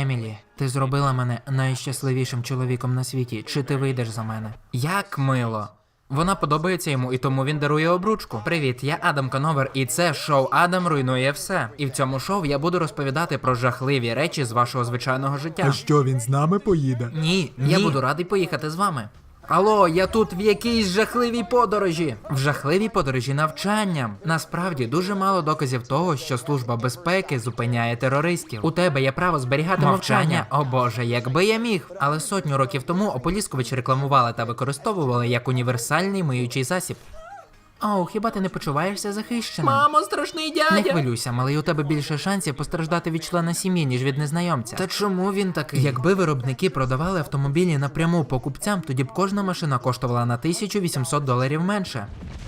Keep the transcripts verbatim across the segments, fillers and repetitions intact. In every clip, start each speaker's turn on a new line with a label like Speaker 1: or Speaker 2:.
Speaker 1: Емілі, ти зробила мене найщасливішим чоловіком на світі. Чи ти вийдеш за мене? Як мило. Вона подобається йому, і тому він дарує обручку. Привіт, я Адам Коновер, і це шоу «Адам руйнує все». І в цьому шоу я буду розповідати про жахливі речі з вашого звичайного життя.
Speaker 2: А що, він з нами поїде?
Speaker 1: Ні, я буду радий поїхати з вами. Алло, я тут в якійсь жахливій подорожі. В жахливій подорожі навчанням. Насправді, дуже мало доказів того, що Служба безпеки зупиняє терористів. У тебе є право зберігати мовчання. О боже, якби я міг. Але сотню років тому Ополіскович рекламували та використовували як універсальний миючий засіб. Оу, хіба ти не почуваєшся захищеним?
Speaker 3: Мамо, страшний дядя!
Speaker 1: Не хвилюйся, малий, у тебе більше шансів постраждати від члена сім'ї, ніж від незнайомця. Та чому він такий? Якби виробники продавали автомобілі напряму покупцям, тоді б кожна машина коштувала на тисячу вісімсот доларів менше.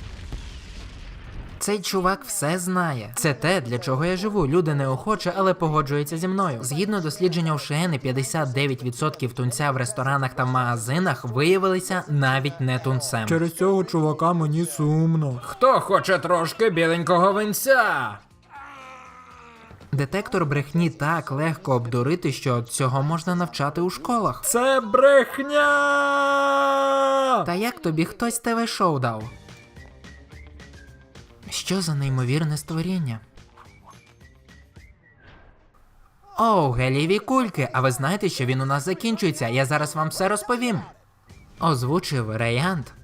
Speaker 1: Цей чувак все знає. Це те, для чого я живу. Люди неохоче, але погоджуються зі мною. Згідно дослідження ОШЕНи, п'ятдесят дев'ять відсотків тунця в ресторанах та магазинах виявилися навіть не тунцем.
Speaker 2: Через цього чувака мені сумно.
Speaker 3: Хто хоче трошки біленького винця?
Speaker 1: Детектор брехні так легко обдурити, що цього можна навчати у школах.
Speaker 2: Це брехня!
Speaker 1: Та як тобі хтось ТВ-шоу дав? Що за неймовірне створіння? Оу, гелієві кульки, а ви знаєте, що він у нас закінчується? Я зараз вам все розповім. Озвучив Рейант.